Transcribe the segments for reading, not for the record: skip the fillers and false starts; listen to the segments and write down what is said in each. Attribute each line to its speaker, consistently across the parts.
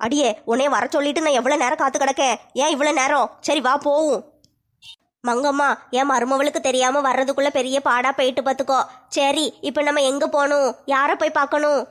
Speaker 1: அடியே உன்னைய வர சொல்லிட்டு நான் எவ்வளவு நேரம் காத்து கிடக்கேன். ஏன் இவ்வளவு நேரம்? சரி வா போவும். மங்கம்மா, என் மருமவளுக்கு தெரியாம வர்றதுக்குள்ள பெரிய பாடா போயிட்டு பார்த்துக்கோ. சரி, இப்ப நம்ம எங்க போகணும்? யாரை போய் பார்க்கணும்?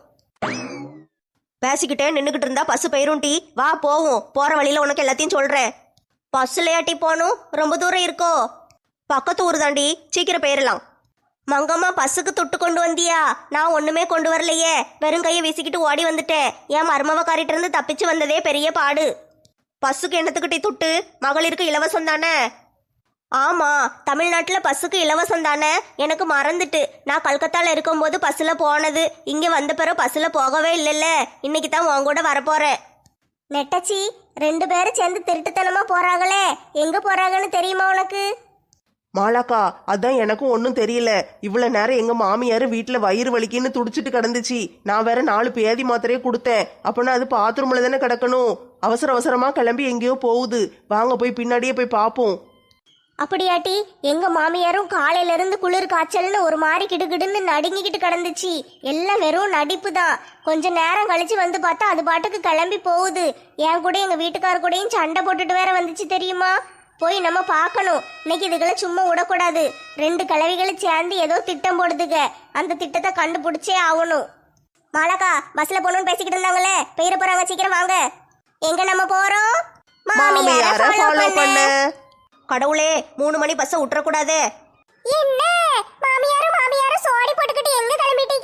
Speaker 1: பேசிக்கிட்டே நின்றுக்கிட்டு இருந்தா பஸ் போயிரும் டி. வா போவோம். போற வழியில உனக்கு எல்லாத்தையும் சொல்றேன். பஸ்லயாட்டி போகணும்? ரொம்ப தூரம் இருக்கோ? பக்கத்து ஊர் தாண்டி, சீக்கிரம் போயிடலாம். மங்கம்மா, பஸ்ஸுக்கு துட்டு கொண்டு வந்தியா? நான் ஒண்ணுமே கொண்டு வரலையே, வெறும் கையை வீசிக்கிட்டு ஓடி வந்துட்டேன். என் மருமவக்காரிட்ட இருந்து தப்பிச்சு வந்ததே பெரிய பாடு. பஸ்ஸுக்கு என்னத்துக்கிட்டே துட்டு? மகளிருக்கு இலவசம் தானே? ஆமா, தமிழ்நாட்டில் பஸ்ஸுக்கு இலவசம் தானே. எனக்கு மறந்துட்டு. நான் கல்கத்தால இருக்கும்போது பஸ்ஸில் போனது. இங்கே வந்த பிறகு பஸ்ஸில் போகவே இல்லைல்ல. இன்னைக்கு தான் உன் கூட வரப்போறேன். நெட்டச்சி, 2 பேரும் சேர்ந்து திருட்டுத்தனமா போறாங்களே, எங்க போறாங்கன்னு தெரியுமா உனக்கு?
Speaker 2: மாலாக்கா, அதான் எனக்கும் ஒன்றும் தெரியல. இவ்வளவு நேரம் எங்க மாமியார் வீட்டில் வயிறு வலிக்குன்னு துடிச்சிட்டு கிடந்துச்சு. நான் வேற 4 பேதி மாத்திரையே கொடுத்தேன். அப்போனா அது பாத்ரூம்ல தானே கிடக்கணும். அவசர அவசரமா கிளம்பி எங்கேயோ போகுது. வாங்க போய் பின்னாடியே போய் பார்ப்போம்.
Speaker 1: அப்படியாட்டி, எங்க மாமியாரும் காலையில இருந்து குளிர் காய்ச்சல்னு ஒரு மாதிரி கிடுகிடுன்னு நடுங்கிக்கிட்டு கிடந்துச்சு. எல்லாம் வெறும் நடிப்பு தான். கொஞ்ச நேரம் கழிச்சு வந்து பார்த்தா அது பாட்டுக்கு கிளம்பி போகுது. என் கூட எங்க வீட்டுக்கார கூடயும் சண்டை போட்டுட்டு வேற வந்துச்சு தெரியுமா. போய் நம்ம பார்க்கணும். இன்னைக்கு இதுகளை சும்மா விடக்கூடாது. 2 கிழவிகளும் சேர்ந்து ஏதோ திட்டம் போடுதுங்க. அந்த திட்டத்தை கண்டுபிடிச்சே ஆகணும். மாலாக்கா, பஸ்ல போகணும்னு பேசிக்கிட்டு இருந்தாங்களே, பெயர போறாங்க. சீக்கிரம் வாங்க. எங்க நம்ம போறோம்?
Speaker 2: மாமியாரை ஃபாலோ பண்ண.
Speaker 1: கடவுளே, 3 மணி பஸ்ஸை விட்டுறக்கூடாது.
Speaker 3: என்ன மாமியாரும் சோடி போட்டுக்கிட்டு எங்க கிளம்பிட்டீங்க?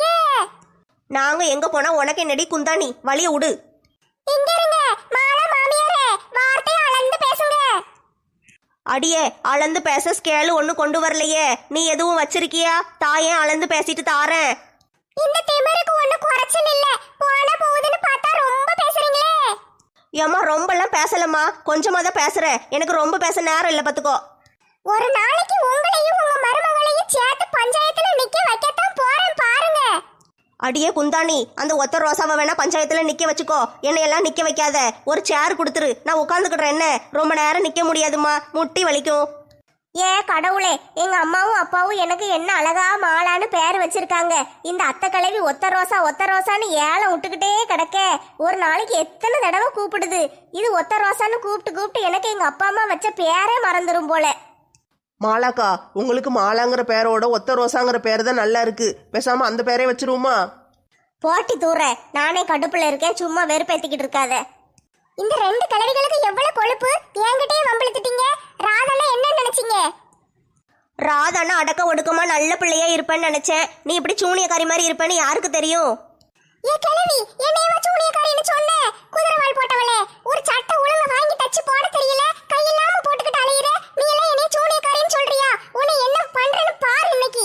Speaker 1: நாங்க எங்க போனா உனக்கு என்னடி குந்தாணி? வழிய விடு.
Speaker 3: இங்க இருங்க. மாலா மாமியாரே, வார்த்தையை அளந்து பேசுங்க.
Speaker 1: அடியே, அளந்து பேச ஸ்கேலு ஒண்ணு கொண்டு வரலையே. நீ எதுவும் வச்சிருக்கியா? தாயேன் அளந்து பேசிட்டு தாரேன்.
Speaker 3: இந்த திமிருக்கு ஒண்ணு குறைச்சல் இல்ல. போன போகுதுன்னு பார்த்தா ரொம்ப பேசுறீங்களே.
Speaker 1: ஏம்மா, ரொம்பலாம் பேசலம்மா, கொஞ்சமா தான் பேசுறேன். எனக்கு ரொம்ப பேச நேரம் இல்ல பாத்துக்கோ.
Speaker 3: ஒரு நாளைக்கு உங்களையும் உங்க மருமகளையும் சேர்த்து பஞ்சாயத்துல நிக்க வைக்கத்தான் போறேன் பாருங்க.
Speaker 1: அடியே குந்தாணி, அந்த ஒத்த ரோசாவை வேணா பஞ்சாயத்துல நிக்க வச்சுக்கோ. என்னையெல்லாம் நிக்க வைக்காத. ஒரு சேர் கொடுத்துரு, நான் உட்காந்துக்கிட்டேன். என்ன ரொம்ப நேரம் நிக்க முடியாதுமா, முட்டி வலிக்கும்.
Speaker 3: ஏ கடவுளே, எங்க அம்மாவும் அப்பாவும் எனக்கு என்ன அழகா மாலான்னு பேர் வச்சிருக்காங்க. இந்த அத்தை கிழவி ஒத்த ரோசான்னு ஏலம் விட்டுக்கிட்டே கிடக்க. ஒரு நாளைக்கு எத்தனை தடவை கூப்பிடுது. இது ஒத்த ரோசான்னு கூப்பிட்டு எனக்கு எங்க அப்பா அம்மா வச்ச பேரே மறந்துடும் போல.
Speaker 2: மாலாக்கா, உங்களுக்கு மாலாங்கிற பேரோட ஒத்த ரோசாங்கிற பேர் தான் நல்லா இருக்கு. பேசாம அந்த பேரே வச்சிருவோமா?
Speaker 3: போட்டி தூர, நானே கடுப்புல இருக்கேன். சும்மா வெறுப்பேத்திக்கிட்டு இருக்காத. இந்த 2 கிழவிகளுக்கு எவ்வளவு கொழுப்பு. என்கிட்டயே வம்பிழுத்துட்டீங்க. ராதெல்லாம் என்ன நினைச்சீங்க?
Speaker 1: ராதானா அடக்க ஒடுக்கமா நல்ல பிள்ளையா இருப்பேன்னு நினைச்சேன். நீ இப்படி சூனியக்காரி மாதிரி இருப்பேன்னு யாருக்கு தெரியும்?
Speaker 3: ஏ கிழவி, என்னையவா சூனியக்காரின்னு சொன்ன? குதிரைவால் போட்டவளே, ஒரு சட்டை ஒழுங்கா வாங்கி தச்சு போட தெரியல, கையில்லாம போட்டுக்கிட்டு அலையிற. நீ எல்லாம் என்னைய சூனியக்காரின்னு சொல்றியா? உன்னை என்ன பண்றேன்னு பாரு இன்னைக்கு.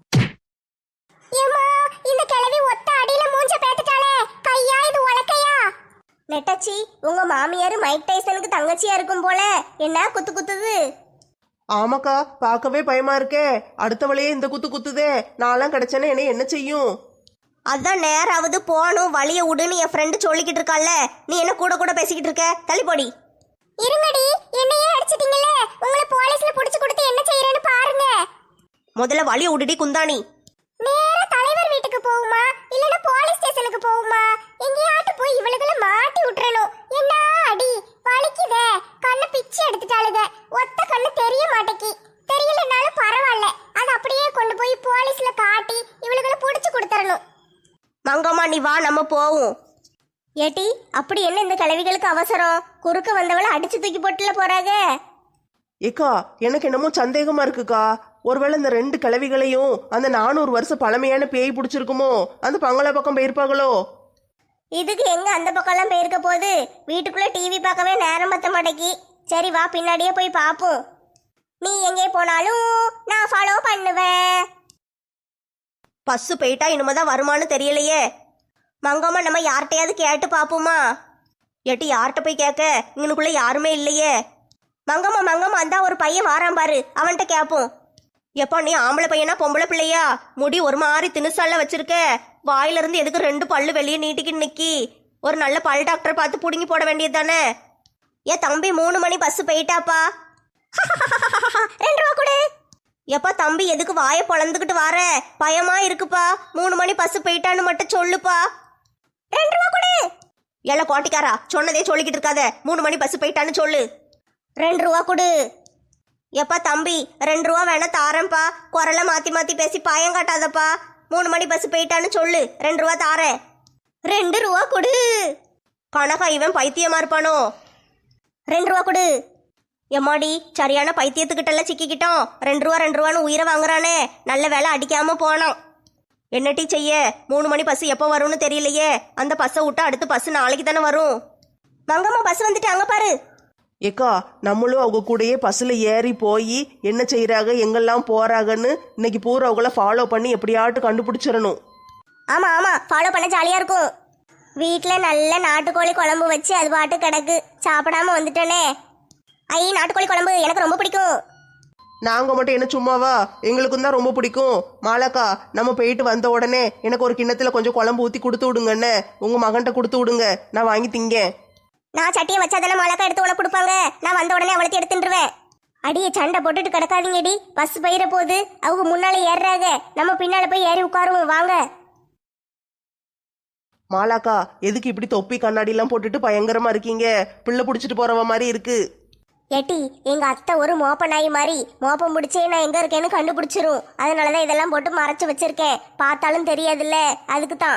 Speaker 3: ஏம்மா, இந்த கிழவி ஒத்த அடியில மூஞ்ச பேத்துட்டாளே. கையா இது உலக்கையா?
Speaker 1: நெட்டச்சி, உங்க மாமியார் மைக் டைசனுக்கு தங்கச்சியா இருக்கும் போல. என்ன குத்து குத்துது?
Speaker 2: ஆமாக்கா, பார்க்கவே பயமா இருக்கே. அடுத்தவளையே இந்த குத்து குத்துதே. நான்லாம் கிடைச்சேன்னா என்னை என்ன செய்யும்?
Speaker 1: அதான் நேராவது போகணும், வழிய விடுன்னு என் ஃப்ரெண்டு சொல்லிக்கிட்டு இருக்கால. நீ என்ன கூட கூட பேசிக்கிட்டு இருக்க? தள்ளிப்போடி.
Speaker 3: இருங்கடி, என்னையே அடிச்சிட்டீங்களே. உங்களை போலீஸ்ல புடிச்சு கொடுத்து என்ன செய்யறேன்னு பாருங்க.
Speaker 1: முதல்ல வழிய விடுடி குந்தாணி.
Speaker 3: நேரா தலைவர் வீட்டுக்கு போகுமா இல்லனா போலீஸ் ஸ்டேஷனுக்கு போகுமா? எங்கேயாட்டு போய் இவளுகளை மாட்டி விட்டுறணும். என்ன அடி வலிக்குதே. கண்ணு பிச்சு எடுத்துட்டாளுங்க. ஒத்த கண்ணு தெரிய மாட்டேக்கி. தெரியலனாலும் பரவாயில்ல, அது அப்படியே கொண்டு போய் போலீஸ்ல காட்டி இவளுகளை புடிச்சு கொடுத்துறணும்.
Speaker 1: மங்கம்மா, நீ வா, நம்ம போவோம். ஏட்டி, அப்படி என்ன இந்த கிழவிகளுக்கு அவசரம்? குறுக்க வந்தவளை அடிச்சு தூக்கி போட்டுல போறாங்க.
Speaker 2: ஏக்கா, எனக்கு என்னமோ சந்தேகமா இருக்குக்கா. ஒருவேளை இந்த 2 கிழவிகளையும் அந்த 400 வருஷம் பழமையான பேய் பிடிச்சிருக்குமோ? அந்த பங்களா பக்கம் போயிருப்பாங்களோ?
Speaker 1: இதுக்கு எங்க அந்த பக்கம்லாம் போயிருக்க போகுது? வீட்டுக்குள்ள டிவி பார்க்கவே நேரம் பத்த மாட்டேக்கி. சரி வா, பின்னாடியே போய் பார்ப்போம். நீ எங்கே போனாலும் நான் ஃபாலோ பண்ணுவேன். பஸ் போயிட்டா இனிமேதான் வருமானு தெரியலையே. மங்கம்மா, நம்ம யார்கிட்டையாவது கேட்டு பார்ப்போமா? ஏட்டி, யார்கிட்ட போய் கேட்க? இங்கனுக்குள்ள யாருமே இல்லையே. மங்கம்மா, அந்த ஒரு பையன் வாரான் பாரு, அவன்கிட்ட கேட்போம். எப்பா, நீ ஆம்பளை பையனா பொம்பளை பிள்ளையா? முடி ஒரு மாதிரி திணுசால வச்சிருக்க. வாயில இருந்து எதுக்கு 2 பல்லு வெளியே நீட்டிக்கிட்டு நிக்கி? ஒரு நல்ல பல் டாக்டரை பார்த்து புடுங்கி போட வேண்டியது தானே. ஏன் தம்பி, 3 மணி பஸ் போயிட்டாப்பா.
Speaker 3: 2 ரூபா கொடு.
Speaker 1: எப்பா தம்பி, எதுக்கு வாயை பொழந்துக்கிட்டு வார? பயமா இருக்குப்பா. 3 மணி பஸ் போயிட்டான்னு மட்டும் சொல்லுப்பா.
Speaker 3: 2 ரூபா கொடு.
Speaker 1: எல்லாம் கோட்டிக்காரா சொன்னதே சொல்லிக்கிட்டு இருக்காத. 3 மணி பஸ் போயிட்டான்னு சொல்லு. 2 ரூபா கொடு. எப்பா தம்பி 2 ரூபா வேணா தாரேன்ப்பா. குரலை மாத்தி மாத்தி பேசி பயம் காட்டாதப்பா. 3 மணி பஸ் போயிட்டான்னு சொல்லு. 2 ரூபா தாரேன். 2 ரூபா கொடு. கனகா இவன் பைத்தியமா இருப்பானோ? 2 ரூபா கொடு. எம்மாடி சரியான பைத்தியத்துக்கிட்டெல்லாம் சிக்கிக்கிட்டோம். 2 ரூபா 2 ரூபான்னு உயிரை வாங்குறானே. நல்ல வேலை அடிக்காம போனோம். என்னட்டி செய்ய? 3 மணி பஸ் எப்போ வரும்னு தெரியலையே. அந்த பஸ்ஸை விட்டா அடுத்த பஸ் நாளைக்கு தானே வரும். மங்கம்மா பஸ் வந்துட்டு அங்க பாரு.
Speaker 2: ஏக்கா நம்மளும் அவங்க கூடயே பஸ்ஸில் ஏறி போய் என்ன செய்கிறாங்க எங்கெல்லாம் போகிறாங்கன்னு இன்னைக்கு பூரா அவங்கள ஃபாலோ பண்ணி எப்படியாட்டு கண்டுபிடிச்சிடணும்.
Speaker 3: ஆமா ஆமா, ஃபாலோ பண்ண ஜாலியா இருக்கும். வீட்ல நல்ல நாட்டுக்கோழி குழம்பு வச்சு அது பாட்டு கிடக்கு, சாப்பிடாம வந்துட்டேனே. ஐ, நாட்டுக்கோழி குழம்பு எனக்கு ரொம்ப பிடிக்கும்.
Speaker 2: நாங்கள் மட்டும் என்ன சும்மாவா? எங்களுக்கும் தான் ரொம்ப பிடிக்கும். மாலாக்கா நம்ம போயிட்டு வந்த உடனே எனக்கு ஒரு கிண்ணத்தில் கொஞ்சம் குழம்பு ஊற்றி கொடுத்து விடுங்கண்ணே. உங்கள் மகன்கிட்ட கொடுத்து விடுங்க, நான் வாங்கி திங்கேன்.
Speaker 3: நான் சட்டியை வச்சாதானே மாலாக்கா எடுத்து உனக்கு கொடுப்பாங்க. நான் வந்த உடனே அவளுக்கு எடுத்துருவேன். அடியே சண்டை போட்டுட்டு கிடக்காதீங்கடி. பஸ் போயிட போகுது. அவங்க முன்னால ஏறுறாங்க, நம்ம பின்னால போய் ஏறி உட்காருவோம் வாங்க.
Speaker 2: மாலாக்கா எதுக்கு இப்படி தொப்பி கண்ணாடிலாம் போட்டுட்டு பயங்கரமா இருக்கீங்க? பிள்ளை பிடிச்சிட்டு போறவ மாதிரி இருக்கு.
Speaker 3: ஏட்டி, எங்க அத்தை ஒரு மோப்ப நாய் மாதிரி. மோப்பம் முடிச்சே நான் எங்க இருக்கேன்னு கண்டுபிடிச்சிரும். அதனாலதான் இதெல்லாம் போட்டு மறைச்சு வச்சிருக்கேன். பார்த்தாலும் தெரியாதுல்ல, அதுக்கு தான்.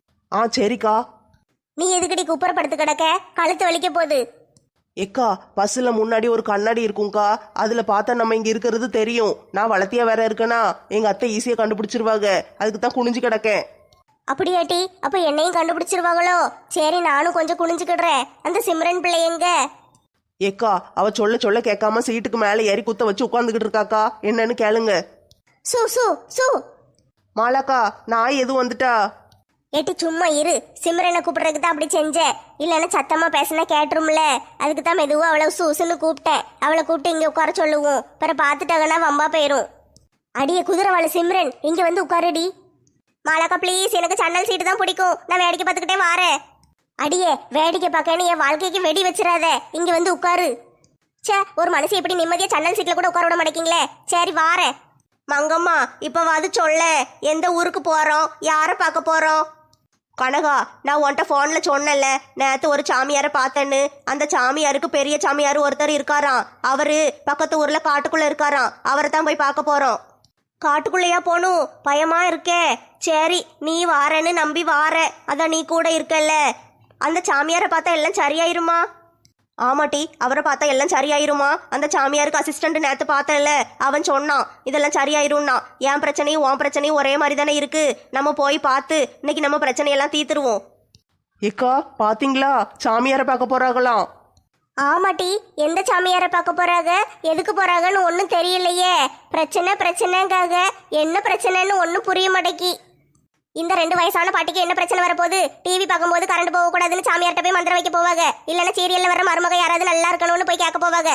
Speaker 2: ஆ சரிக்கா.
Speaker 3: நீ எதுக்கடி குப்புறப்படுத்து கிடக்க? கழுத்து வலிக்க போகுது.
Speaker 2: ஏக்கா பஸ்ல முன்னாடி ஒரு கண்ணாடி இருக்கும்க்கா, அதுல பார்த்தா நம்ம இங்க இருக்கிறது தெரியும். நான் வளர்த்தியா வேற இருக்கேனா, எங்க அத்தை ஈஸியா கண்டுபிடிச்சிருவாங்க. அதுக்கு தான் குனிஞ்சு கிடக்கேன்.
Speaker 3: அப்படியாட்டி, அப்ப என்னையும் கண்டுபிடிச்சிருவாங்களோ? சரி, நானும் கொஞ்சம் குனிஞ்சுக்கிடுறேன். அந்த சிம்ரன் பிள்ளை எங்க?
Speaker 2: ஏக்கா அவ சொல்ல சொல்ல கேட்காம சீட்டுக்கு மேல ஏறி குத்த வச்சு உட்காந்துக்கிட்டு இருக்காக்கா. என்னன்னு கேளுங்க.
Speaker 3: சு சு சு.
Speaker 2: மாலாக்கா நாய் எதுவும் வந்துட்டா?
Speaker 3: ஏட்டி சும்மா இரு. சிம்ரனை கூப்பிடுறதுக்கு தான் அப்படி செஞ்சேன். இல்லைன்னா சத்தமா பேசினா கேட்டுரும்ல. அதுக்கு தான் மெதுவாக அவளை சூசுன்னு கூப்பிட்டேன். அவளை கூப்பிட்டு இங்கே உட்கார சொல்லுவோம். பிறகு பார்த்துட்டாங்கன்னா வம்பா போயிரும். அடியே குதிரவாள சிம்ரன், இங்கே வந்து உட்காருடி. மாலாக்கா ப்ளீஸ், எனக்கு சன்னல் சீட்டு தான் பிடிக்கும். நான் வேடிக்கை பார்த்துக்கிட்டே வாரேன். அடியே வேடிக்கை பார்க்கன்னு என் வாழ்க்கைக்கு வெடி வச்சிடாத. இங்கே வந்து உட்காரு. சே, ஒரு மனுஷன் எப்படி நிம்மதியாக சன்னல் சீட்டில் கூட உட்கார விட மாட்டேங்கிங்களே. சரி வாரேன்.
Speaker 1: மங்கம்மா இப்பவாது சொல்ல, எந்த ஊருக்கு போறோம், யாரை பார்க்க போறோம்? கனகா நான் உன்கிட்ட ஃபோன்ல சொன்னேன்ல, நேற்று ஒரு சாமியாரை பார்த்தேன்னு. அந்த சாமியாருக்கு பெரிய சாமியார் ஒருத்தர் இருக்காராம். அவரு பக்கத்து ஊர்ல காட்டுக்குள்ள இருக்காராம். அவரை தான் போய் பார்க்க போறோம். காட்டுக்குள்ளையா போகணும்? பயமா இருக்கே. சரி நீ வாரேன்னு நம்பி வார, அதான் நீ கூட இருக்கல்ல. அந்த சாமியாரை பார்த்தா எல்லாம் சரியாயிருமா? ஆமாட்டி, அவரை பார்த்தா எல்லாம் சரியாயிருமா? அந்த சாமியாருக்கு அசிஸ்டன்ட் நேற்று பார்த்தேன்ல, அவன் சொன்னான் இதெல்லாம் சரியாயிரும்னா. என் பிரச்சனையும் உன் பிரச்சனையும் ஒரே மாதிரி தானே இருக்கு. நம்ம போய் பார்த்து இன்னைக்கு நம்ம பிரச்சனையெல்லாம் தீர்த்துருவோம்.
Speaker 2: ஏக்கா பாத்தீங்களா, சாமியாரை பார்க்க போறாங்களாம்.
Speaker 3: ஆமாட்டி, எந்த சாமியாரை பார்க்க போறாங்க, எதுக்கு போறாங்கன்னு ஒன்றும் தெரியலையே. பிரச்சனைக்காக என்ன பிரச்சனைன்னு ஒன்றும் புரிய மாட்டேக்கி. இந்த 2 வயசான பாட்டிக்கு என்ன பிரச்சனை வரப்போகுது? டிவி பார்க்கும்போது கரண்ட் போகக்கூடாதுன்னு சாமியார்ட்ட போய் மந்திரம் வைக்க போவாங்க. இல்லைன்னா சீரியல்ல வர மருமக யாராவது நல்லா இருக்கணும்னு போய் கேட்க போவாங்க.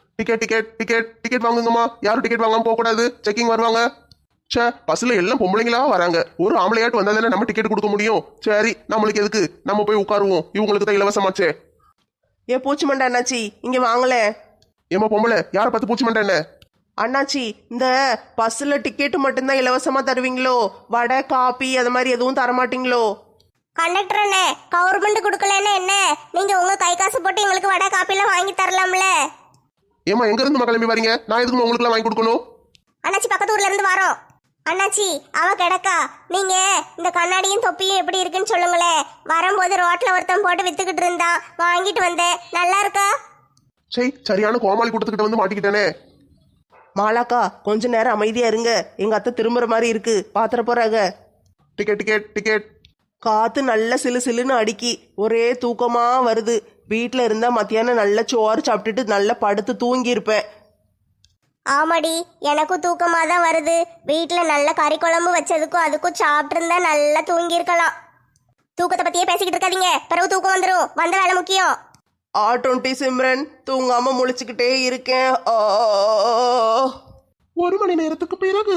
Speaker 4: டிக்கெட் வாங்குங்கம்மா. யாரும் டிக்கெட் வாங்காம போக கூடாது, செக்கிங் வருவாங்க. சே, பஸ்ல எல்லாம் பொம்பளைங்களா வராங்க. ஒரு ஆம்பளையாட்டு வந்தா தானே நம்ம டிக்கெட் கொடுக்க முடியும். சரி நம்மளுக்கு எதுக்கு, நம்ம போய் உட்காருவோம். இவங்களுக்கு தான் இலவசமாச்சே.
Speaker 2: ஏ பூச்சி மண்டை அண்ணாச்சி இங்க வாங்கல.
Speaker 4: ஏமா பொம்பளை, யாரை பார்த்து பூச்சி மண்டை என்ன?
Speaker 2: அண்ணாச்சி இந்த பஸ்ல டிக்கெட்டு மட்டும்தான் இலவசமா தருவீங்களோ? வடை காபி அது மாதிரி எதுவும் தரமாட்டீங்களோ?
Speaker 3: கண்டக்டர் அண்ணே, கவர்மெண்ட் கொடுக்கலன்னா என்ன, நீங்க உங்க கை காசு போட்டு எங்களுக்கு வடை காப்பிலாம் வாங்கி தரலாம்ல.
Speaker 4: ஏமா எங்க இருந்து கிளம்பி வரீங்க? நான் எதுக்கு உங்களுக்கு வாங்கி கொடுக்கணும்?
Speaker 3: அண்ணாச்சி பக்கத்து ஊர்ல இருந்து வரோம். அண்ணாச்சி அவ கிடக்கா. நீங்க இந்த கண்ணாடியும் தொப்பியும் எப்படி இருக்குன்னு சொல்லுங்களேன். வரும்போது ரோட்ல ஒருத்தன் போட்டு வித்துக்கிட்டு இருந்தா, வாங்கிட்டு வந்தேன். நல்லா இருக்கா?
Speaker 4: சரியான கோமாளி கூட்டத்துக்கிட்ட வந்து மாட்டிக்கிட்டேனே.
Speaker 2: மாலாக்கா கொஞ்ச நேரம் அமைதியா இருங்க, எங்க அத்தை திரும்புற மாதிரி இருக்கு, பாத்திர போறாங்க.
Speaker 4: டிக்கெட்.
Speaker 2: காத்து நல்ல சிலு சிலுன்னு அடிக்கி, ஒரே தூக்கமா வருது. வீட்டில் இருந்தா மத்தியானம் நல்ல சோறு சாப்பிட்டுட்டு நல்லா படுத்து தூங்கி இருப்பேன்.
Speaker 3: ஆமாடி, எனக்கும் தூக்கமா தான் வருது. வீட்டுல நல்ல கறி குழம்பு வச்சதுக்கும் அதுக்கும் சாப்பிட்டு இருந்தா நல்லா தூங்கி இருக்கலாம். தூக்கத்தை பத்தியே பேசிக்கிட்டு இருக்காதீங்க, பிறகு தூக்கம் வந்துடும். வந்த வேலை முக்கியம்.
Speaker 2: ஆ20 சிம்ரன், தூங்காம முழிச்சுக்கிட்டே இருக்கேன்.
Speaker 4: 1 மணி நேரத்துக்கு பிறகு.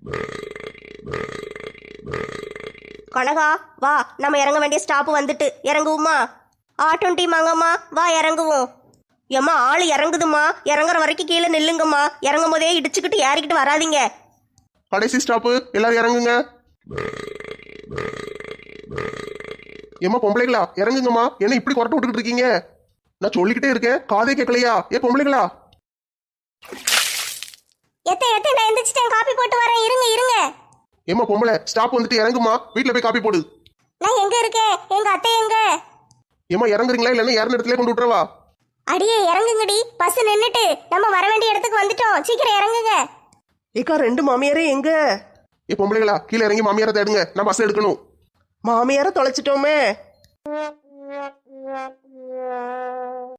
Speaker 1: கனகா வா, நம்ம இறங்க வேண்டிய ஸ்டாப் வந்துட்டு. இறங்குவோமா? ஆ20 மங்கம்மா வா இறங்குவோம். ஏம்மா ஆள் இறங்குதுமா, இறங்குற வரைக்கும் கீழே நில்லுங்கம்மா. இறங்கும் போதே இடிச்சுக்கிட்டு ஏறிக்கிட்டு வராதிங்க.
Speaker 4: கடைசி ஸ்டாப்பு, எல்லாரும் இறங்குங்க. ஏம்மா பொம்பளைங்களா இறங்குங்கம்மா, என்ன இப்படி கொரட்டை விட்டுக்கிட்டு இருக்கீங்க? நான் சொல்லிக்கிட்டே இருக்கேன், காதே கேட்கலையா? ஏ பொம்பளைங்களா!
Speaker 1: எத்த நான் எந்திரிச்சிட்டேன், காப்பி போட்டு வரேன், இருங்க இருங்க.
Speaker 4: ஏம்மா பொம்பளை, ஸ்டாப் வந்துட்டு இறங்குமா, வீட்டுல போய் காப்பி போடு.
Speaker 1: நான் எங்க இருக்கேன்? எங்க அத்தை எங்க?
Speaker 4: ஏம்மா இறங்குறீங்களா இல்லைன்னா இறந்த இடத்துல கொண்டு விட்டுறவா?
Speaker 1: அடியே இறங்குங்கடி, பஸ் நின்னுட்டு, நம்ம வர வேண்டிய இடத்துக்கு வந்துட்டோம், சீக்கிரம் இறங்குங்க.
Speaker 2: ஏக்கா 2 மாமியாரே எங்க?
Speaker 4: ஏ பொம்பளைங்களா, கீழே இறங்கி மாமியாரை தேடுங்க, நான் பஸ் எடுக்கணும்.
Speaker 2: மாமியார தொலைச்சிட்டோமே.